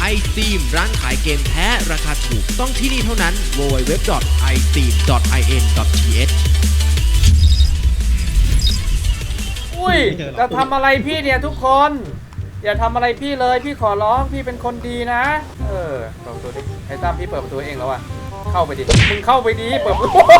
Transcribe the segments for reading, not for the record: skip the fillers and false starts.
iSteam ร้านขายเกมแท้ราคาถูกต้องที่นี่เท่านั้น www.isteam.in.th อุ้ยจะทำอะไรพี่เนี่ยทุกคนอย่าทำอะไรพี่เลยพี่ขอร้องพี่เป็นคนดีนะเปิดประตูดิไอ้ตั้มพี่เปิดประตูเองแล้วอะเข้าไปดิมึงเข้าไปดิเปิดประตู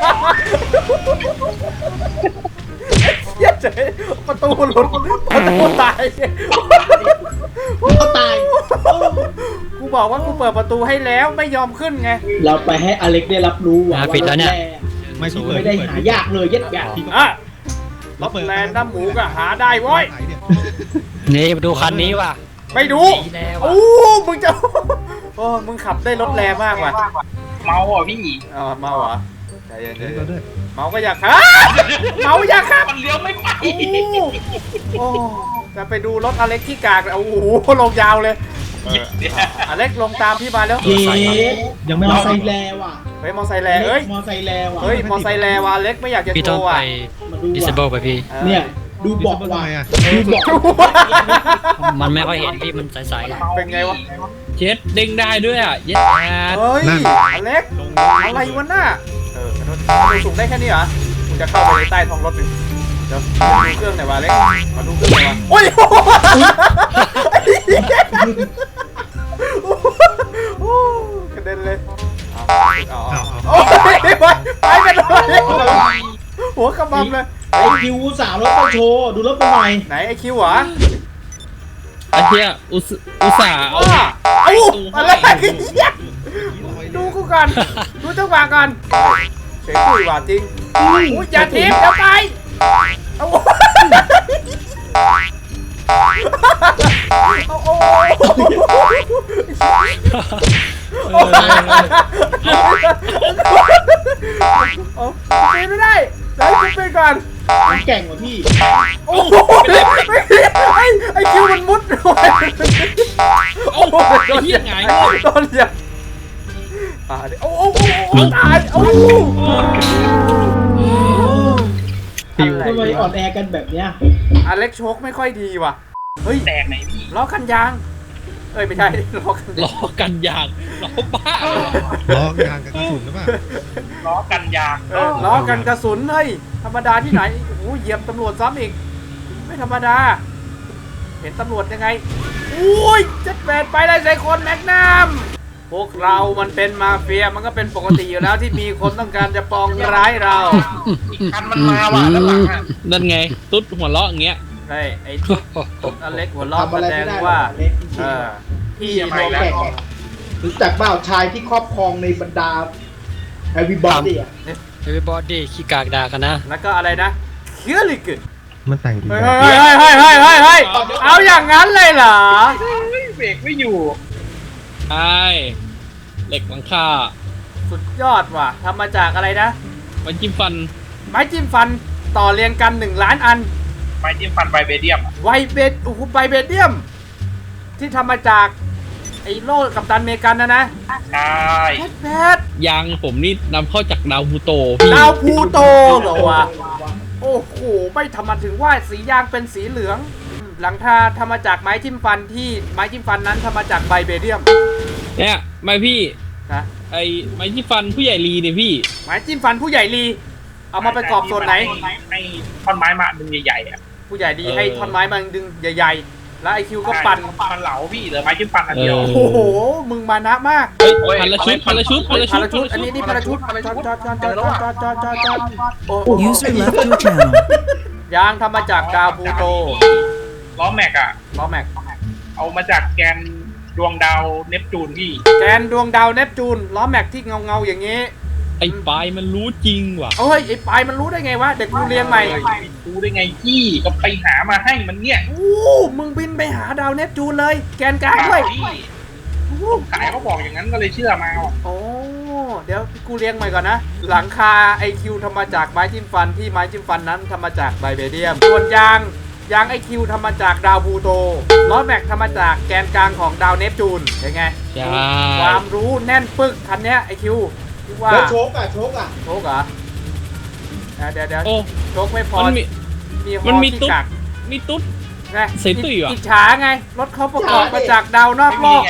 เย้เจ๊ประตูหลุดประตูตายเขาตายกูบอกว่ากูเปิดประตูให้แล้วไม่ยอมขึ้นไงเราไปให้อเล็กได้รับรู้ว่าปิดแล้วเนี่ยไม่ได้หายากเลยยัดยากอ่ะรถแลนด์น้ำหมูก็หาได้เว้ยนี่มาดูคันนี้ว่ะไม่ดูโอ้มึงจะโอ้มึงขับได้รถแรงมากว่ะเมาอ่ะพี่เมาเหรอใจเย็นเมาก็อยากขับเมาอยากขับมันเลี้ยวไม่ไปโอ้จะไปดูรถอเล็กที่กากโอ้โหลงยาวเลยอเล็กลงตามพี่มาแล้วยังไม่มอไซค์แล้วอ่ะเฮ้ยมอไซค์แรงเฮ้ยมอไซค์แล้วอ่ะเฮ้ยมอไซค์แรงว่ะอเล็กไม่อยากจะโชว์อ่ะ disable ไปพี่เนี่ยดูบอกว่าดูบอกมันไม่ค่อยเห็นพี่มันใสๆเป็นไงวะเจ็ดเด้งได้ด้วยอ่ะเย็ดเฮ้ยอเล็กอะไรวะน่ะสูงได้แค่นี้เหรอกูจะเข้าไปในใต้ท้องรถดิเดี๋ยวดูเครื่องหน่อยวะเล็กมาดูเครื่องหน่อยวะโอ้ยกระเด็นเลยไปกันเลยหัวกระบำเลยไอคิวสาวรถไปโชว์ดูรถไปหน่อยไหนไอคิวเหรอไอเหี้ยอุตส่าห์อะไรดูกูก่อนดูเจ้าบ่าวก่อนเฉยคุยว่าจริงอย่าทิพย์เดี๋ยวไปไม่ได้แล้วกูไปก่อนแก่งกว่าพี่โอ้ไอคิวมันมุดโอ้โดนยังไงโดนยังโอ้ตายโอ้ทำไมอ่อนแอกันแบบเนี้ยอเล็กโชคไม่ค่อยดีว่ะเฮ้ยแตกไหนพี่ล้อกันยางไม่ใช่ล้อกันยางล้อบ้าล้อยางกับกระสุนหรือเปล่าล้อกันยางล้อกันกระสุนเฮ้ยธรรมดาที่ไหนโอ้โหเหยียบตำรวจซ้ำอีกไม่ธรรมดาเห็นตำรวจยังไงอุ้ยจะแปดไปได้ใส่คนแม็กนัมพวกเรามันเป็นมาเฟียมันก็เป็นปกติอยู่แล้วที่มีคนต้องการจะปองร้ายเราคันมันมาว่ะด้านหลังนั่นไงตุ๊ดหัวเราะอย่างเงี้ยใช่ไอ้ตุ๊ดอเล็กหัวเราะแสดงว่าพี่มองแก่รู้จักเปล่าชายที่ครอบครองในบรรดาeverybody everybody ขี้กากด่ากันนะแล้วก็อะไรนะเคียลิกมันแต่งดีเฮ้ยเอาอย่างนั้นเลยเหรอเบรกไม่อยู่ใช่เหล็กหลังคาสุดยอดว่ะทำมาจากอะไรนะไม้จิ้มฟันต่อเรียงกัน1 ล้านอันไม้จิ้มฟันไวเบเดียมไวเบเดียมที่ทำมาจากไอ้โล่กัปตันเมกันนะใช่แพทยางผมนี่นำเข้าจากดาวพูโตดาวพูโตเหรอวะโอ้โหไม่ทำมาถึงว่าสียางเป็นสีเหลืองหลังคาทำมาจากไม้จิ้มฟันที่ไม้จิ้มฟันนั้นทำมาจากไวเบเดียมเนี่ยไม่พี่นะไอ้ไม้จิ้มฟันผู้ใหญ่ลีเนี่ยพี่ไม้จิ้มฟันผู้ใหญ่ลีเอามาประกอบส่วนไหนให้ท่อนไม้มาดึงใหญ่ๆอ่ะผู้ใหญ่ดีให้ท่อนไม้มาดึงใหญ่ๆแล้วไอคิวก็ปั่นเหลาพี่เหลือไม้จิ้มฟันอันเดียวโอ้โหมึงมานะมากพันละชุดอันนี้พันละชุด User left your channel ยางทำมาจากดาวพูโตล้อแม็กเอามาจากแกนดวงดาวเนปจูนพี่แกนดวงดาวเนปจูนล้อแม็กที่เงาอย่างงี้ไอ้ปลายมันรู้จริงว่ะเอ้ยไอ้ปลายมันรู้ได้ไงวะเด็กกูเรียงใหม่รู้ได้ไงพี่ก็ไปหามาให้มันเนี่ยมึงบินไปหาดาวเนปจูนเลยแกนกลางด้วยขายเขาบอกอย่างนั้นก็เลยเชื่อมาโอ้เดี๋ยวกูเรียงใหม่ก่อนนะหลังคาไอคิวทำมาจากไม้จิ้มฟันที่ไม้จิ้มฟันนั้นทำมาจากไวเบเดียมส่วนยางไอคิวทำมาจากดาวพูโตล้อแม็กทำมาจากแกนกลางของดาวเนปจูนเป็นไงความรู้แน่นปึกคันนี้ไอคิวแล้วโชกเหรอเดี๋ยวโชคไม่พอมันมีตุ๊ดไงเสียตุ้ยว่ะอิจฉาไงรถเขาประกอบมาจากดาวนอกโลก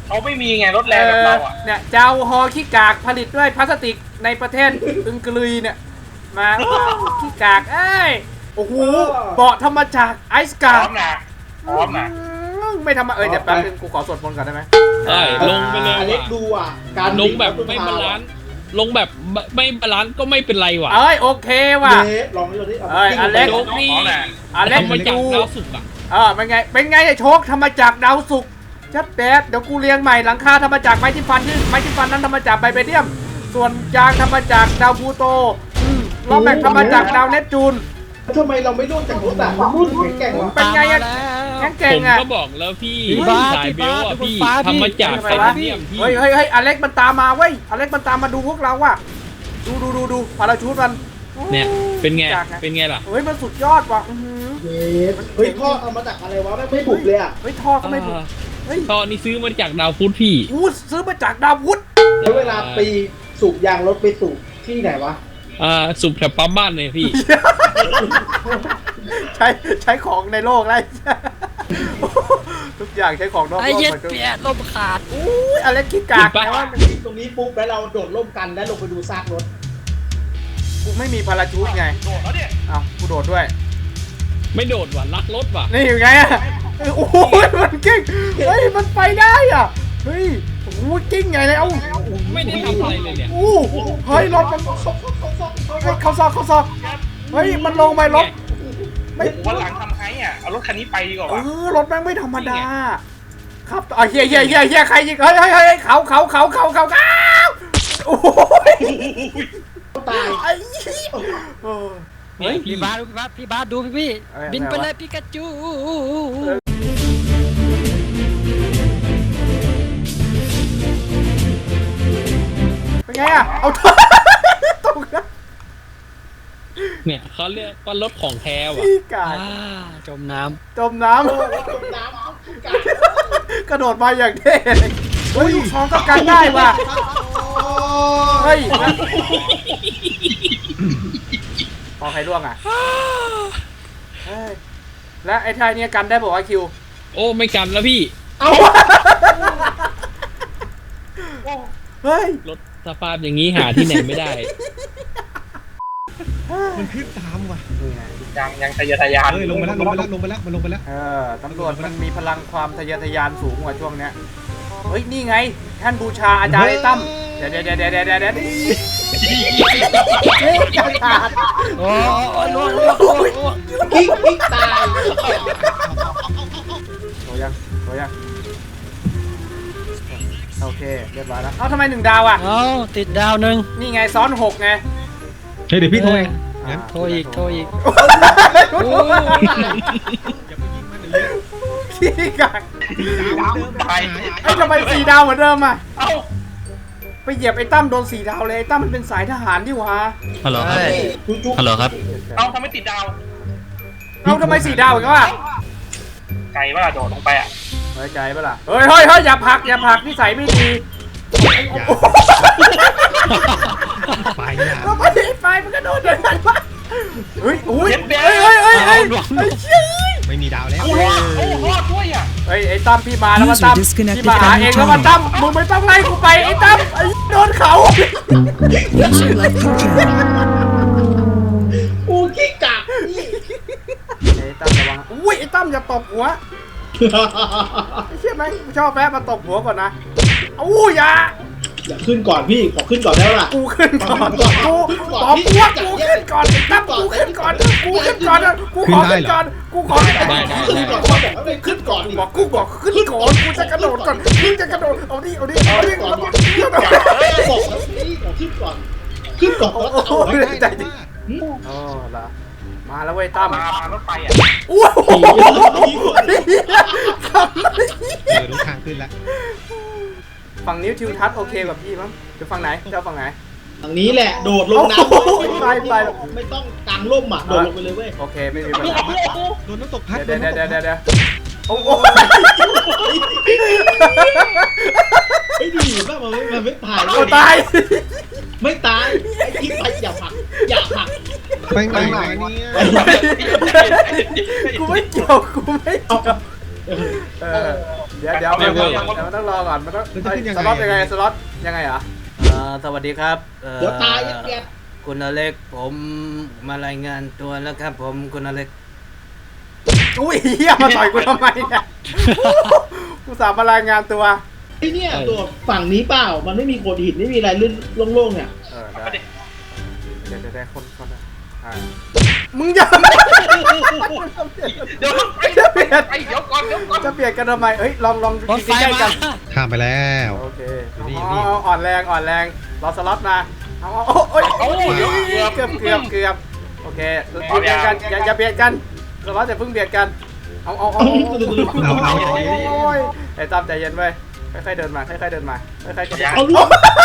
เขาไม่มีไงรถแรงแบบเราอ่ะเนี่ยเจ้าฮอขี้กากผลิตด้วยพลาสติกในประเทศอึงกฤษเนี่ยมาขี้กากเอ้ยโอ้โหเบาะทำมาจากไอซ์พร้กาอมนะพร้อมนะไม่ทำมาเดี๋ยวแป๊บนึงกูขอสวดมนต์ก่อนได้ไหมใช่ลงไปเลยอเล็กว่ะดูอ่ะ การลงแบบไม่บาลานซ์ลงแบบไม่บาลานซ์ก็ไม่เป็นไรว่ะเอ้ยโอเคว่ะเล็กลองดูดิเอ้ยอเล็กโชคดีพร้อมนะเล็กทำมาจากดูดาวศุกร์อ่ะเป็นไงไอ้โชคทำมาจากดาวศุกร์ชัดแดดเดี๋ยวกูเรียงใหม่หลังคาทำมาจากไม้จิ้มฟันที่ไม้จิ้มฟันนั้นทำมาจากไบเบเดียม ส่วนยางทำมาจากดาวพลูโตล้อแม็กทำมาจากดาวเนปจูนทำไมเราไม่รุ่นจากรถอ่ะมันรุ่นแข็งๆวะเป็นไงอะแก่งผมอะก็บอกแล้วพี่พี่บาสสายเบลอะพี่พี่บาสทำมาจากทำไมไทวะเทเนียมพี่เฮ้ยอเล็กมันตามมาเว้ยอเล็กมันตามมาดูพวกเราว่ะดูพาราชูดมันเนี่ยเป็นไงจากไงเป็นไงล่ะเฮ้ยมันสุดยอดว่ะอื้อหือเฮ้ยพ่อเอามาจากอะไรวะไม่บุกเลยอ่ะเฮ้ยท่อก็ไม่ถูกเฮ้ยตอนนี้ซื้อมาจากดาวพุธพี่กูซื้อมาจากดาวพุธแล้วเวลาไปสูบยางรถไปสูบที่ไหนวะสุบแถวปั๊มบ้านเลยพี่ใช้ของในโลกได้ ทุกอย่างใช้ของนอกโลกไอ้เย็ดหมดเปียลมขาดอุ้ยอเล็กขี้กากจริงปะแต่ว่าตรงนี้ปุ๊บแล้วเราโดดร่มกันแล้วลงไปดูซากรถกูไม่มีพาราชูดไงโดดแล้วเนี่ยเอ้ากูโดดด้วยไม่โดดว่ะลักรถว่ะนี่อยู่ไงอะโอ้โหมันกิ้งเฮ้ยมันไปได้อ่ะเฮ้ยโอ้โหกิ้งไงเลยเอ้าไม่ได้ทำอะไรเลยเนี่ยโอ้โหเฮ้ยรถมันเฮ้ยเขาซอกเฮ้ยมันลงไปรถไม่วันหลังทำไงอ่ะเอารถคันนี้ไปดีกว่าวะรถแม่งไม่ธรรมดาครับเฮียใครยิงเฮ้ยเขาโอ้ยตายไอ้เหี้ยเออเฮ้ยพี่บาสพี่บาสดูพี่เอ้ยบินไปอะไรวะเลยปิกาจูเป็นไงอ่ะเอาตกนะเนี่ยเขาเรียกว่ารถของแท้ว่ะพี่กายจมน้จมน้ำจมน้ำกระโดดมาอย่างเท่เลยเฮ้ยลูกช้อนก็กันได้ว่ะเฮ้ยพอใครร่วงอ่ะเฮ้ยและไอ้ทายเนี่ยกันได้บอกว่าคิวโอ้ไม่กันแล้วพี่เฮ้ยรถสภาพอย่างนี้หาที่ไหนไม่ได้มันขึ้นตามว่ะยังทะเยอทะยานเฮ้ยลงไปแล้วมันลงไปแล้วตำรวจมันมีพลังความทะเยอทะยานสูงกว่าช่วงเนี้ยเฮ้ยนี่ไงท่านบูชาอาจารย์ไอ้ตั้มเดี๋ยวกระดาษำโอ้ล่วงกิ๊กตายโถยังโอเคเรียบร้อยแล้วเอ้าทำไม1 ดาวอ่ะเอาติดดาวหนึ่งนี่ไงซ้อน6ไงเฮ้ยเดี๋ยวพี่โทรเองงั้นโทรอีกอย่าไปยิงมันเดี๋ยวขี้กากไปเอ้ยทำไม4 ดาวเหมือนเดิมอ่ะเอ้าไปเหยียบไอ้ตั้มโดน4 ดาวเลยไอ้ตั้มมันเป็นสายทหารดิวะฮัลโหลครับ ฮัลโหลครับเอาทำไมติดดาวเอ้าทำไม4 ดาวอีกวะไกลว่าโดดลงไปอ่ะไว้ใจปะล่ะเฮ้ยอย่าผลักนิสัยไม่ดีอย่าไปอย่าทำไมไฟมันกระโดดอย่างนั้นวะเฮ้ยอุ้ยเจ็บเฮ้ยแดงไอ้เชี่ยไม่มีดาวแล้วโอ้รอดด้วยอ่ะเฮ้ยไอ้ตั้มพี่มาแล้วมาตั้มพี่มาหาเองแล้วมาตั้มมึงไม่ต้องไล่กูไปไอ้ตั้มไอ้โดนเขา User left your channel. กูกิ๊กกากนี่ไอ้ตั้มระวังอุ้ยไอ้ตั้มอย่าตบหัวไอ้เชี่ยไหมกูชอบแป๊ะมาตบหัวก่อนนะอู้อย่าอย่าขึ้นก่อนพี่ขอขึ้นก่อนได้ล่ะกูขึ้นก่อนกูขอพวกกูขึ้นก่อนไอ้ตั้มกูขึ้นก่อนกูขอขึ้นก่อนกูขอขึ้นก่อนขึ้นก่อนพ่อบอกให้ขึ้นก่อนดิบอกกูบอกขึ้นก่อนกูจะกระโดดก่อนกูจะกระโดดเอาดิบอกแล้วนี่ขอขึ้นก่อนโอ้โหใจดีโอ้ละมาแล้วเว้ยตั้มมารถไฟอ่ะโอ้โหคำนี้รู้ทางขึ้นแล้วฝั่งนิ้วทิวทัศน์โอเคกับพี่มั้งจะฝั่งไหนจะฝั่งไหนทางนี้แหละโดดลงน้ำไม่ต้องกางร่มอ่ะโดดลงไปเลยเว้ยโอเคไม่มีปัญหาโดนน้ำตกพัดเดี๋ยวโอ้โหไอ้ดีป่ะมันไม่ตายเอาตายไม่ตายไอ้กิ๊กไปอย่าผลักไปไหนมาเนี่ยกูไม่เกี่ยวเออเดี๋ยวมันต้องรอก่อนมันต้องสล็อตยังไงสล็อตยังไงเหรอสวัสดีครับเดี๋ยวตายเกียรติคุณอเล็กผมมารายงานตัวแล้วครับผมคุณอเล็กอุ้ยเฮียมาต่อยกูทำไมเนี่ยกูสามมารายงานตัวไอ้เนี่ยตัวฝั่งนี้เปล่ามันไม่มีโขดหินไม่มีอะไรลื่นโล่งๆเนี่ยได้ได้คนมึงอย่าเดี๋ยวจะเปลี่ยนไอ้เดี๋ยวก่อนจะเปลี่ยนกันทำไมเฮ้ยลองรถไฟใกล้มาๆกันข้ามไปแล้วโอเคนี่อ่อนแรงรอสล็อตมาเอาโอ้ยเกือบโอเคเบียดกันอย่าเบียดกันสล็อตจะเพิ่งเบียดกันเอาโอ้ยไอ้ตั้มใจเย็นไว้ค่อยๆเดินมาค่อยๆเอาลูก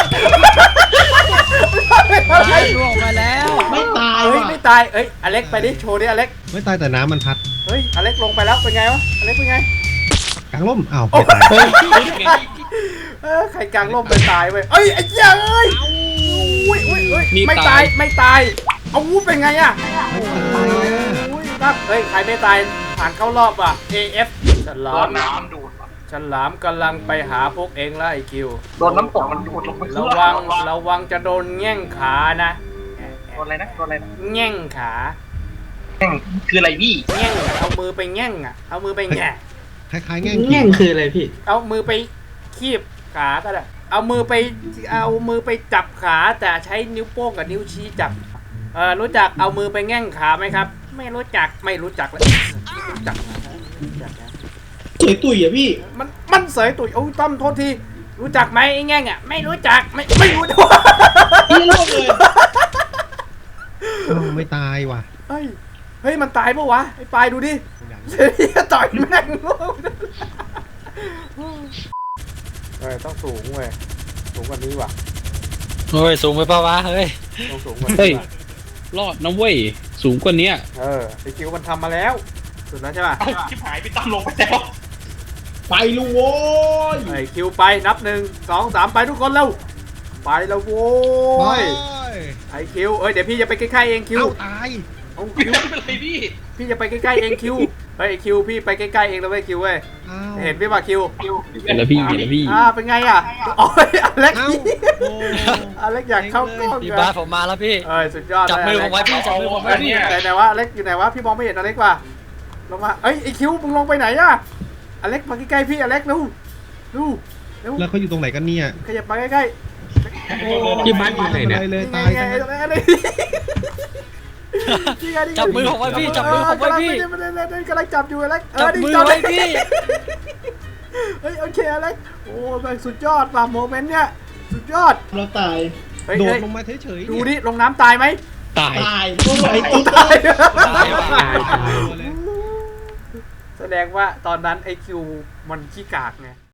ล่วงไปแล้วไม่ตายเฮ้ยว่ะไม่ตายเอ้ยอเล็กไปดิโชว์ดิอเล็กไม่ตายแต่น้ำมันพัดเฮ้ยอเล็กลงไปแล้วเป็นไงวะอเล็กเป็นไงกลางร่มอ้าวไม่ตายใครกลางร่มไปตายเว้ยเอ้ยไอ้เหี้ยเอ้ยอุ้ยไม่ตายเอาวู้เป็นไงอะอุ้ยตั้มเฮ้ยใครไม่ตายผ่านเข้ารอบอ่ะ AF ฉลามน้ำดูดฉลามกำลังไปหาพวกเองแล้วไอ้คิวโดนน้ำตกมันดูดลงไประวังจะโดนแง่งขานะโดนอะไรนะแง่งขาคืออะไรพี่แง่งเอามือไปแง่งอ่ะเอามือไปแง่คล้ายๆแง่งแง่งคืออะไรพี่เอามือไปคีบขาก็ได้เอามือไปจับขาแต่ใช้นิ้วโป้งกับนิ้วชี้จับรู้จักเอามือไปแง่งขาไหมครับ ไม่รู้จักเลยรู้จักนะสวยตุ๋ยอ่ะพี่มันเสยตุ๋ยโอ้ยต้อมโทษทีรู้จักไหมไอ้แง่งอ่ะไม่รู้จักไม่รู้ด้วยพี่โลกเลยไม่ตายว่ะเฮ้ยมันตายปะวะไอ้ปลายดูดิเสียต่อยแม่งต้องสูงเว้ยสูงกว่านี้ว่ะโอ้ยสูงไปเปล่าวะเฮ้ยต้องสูงกว่าเฮ้ยนี้ว่ะรอดนะเว้ย สูงกว่านี้ไอ้คิวมันทำมาแล้วสุดแล้วใช่ป่ะเอ้าชิบหายพี่ตั้มลงไปแล้วไปลูกโว้ยไอ้คิวไปนับ1 2 3ไปทุกคนเร็วไปแล้วโว้ยไอ้คิวเดี๋ยวพี่จะไปใกล้ๆเองคิวเอ้าตายเอาไม่คิวเป็นไรพี่พี่จะไปใกล้ๆเองคิวไอ้คิวพี่ไปใกล้ๆเองแล้วเว้ยคิวเว้ยอ้าวเห็นพี่ป่ะคิวเห็นแล้วพี่เป็นไงอ่ะโอ้ยอเล็กเอ้าโอ้อเล็กอยากเข้ากล้องพี่กันบาสผมมาแล้วพี่สุดยอดจับมือผมไว้พี่จับมือผมไว้พี่ไหนวะอเล็กอยู่ไหนวะพี่มองไม่เห็นอเล็กว่ะลงมาไอ้คิวมึงลงไปไหนอ่ะอเล็กมาใกล้ๆพี่อเล็กเร็วแล้วเขาอยู่ตรงไหนกันเนี่ยขยับมาใกล้พี่บ้านอยู่ไหนเนี่ยเลยๆตายไงซะจับมือผมไว้พี่จับมือผมไว้พี่กำลังจับอยู่อเล็กจับมือไว้พี่เฮ้ยโอเคอเล็กโอ้แม่งสุดยอดว่ะโมเมนต์เนี้ยสุดยอดเราตายโดดลงมาเฉยๆดูดิลงน้ำตายไหมตายตายโอ้ยไอ้ตายตายแสดงว่าตอนนั้นไอคิวมันขี้กากไง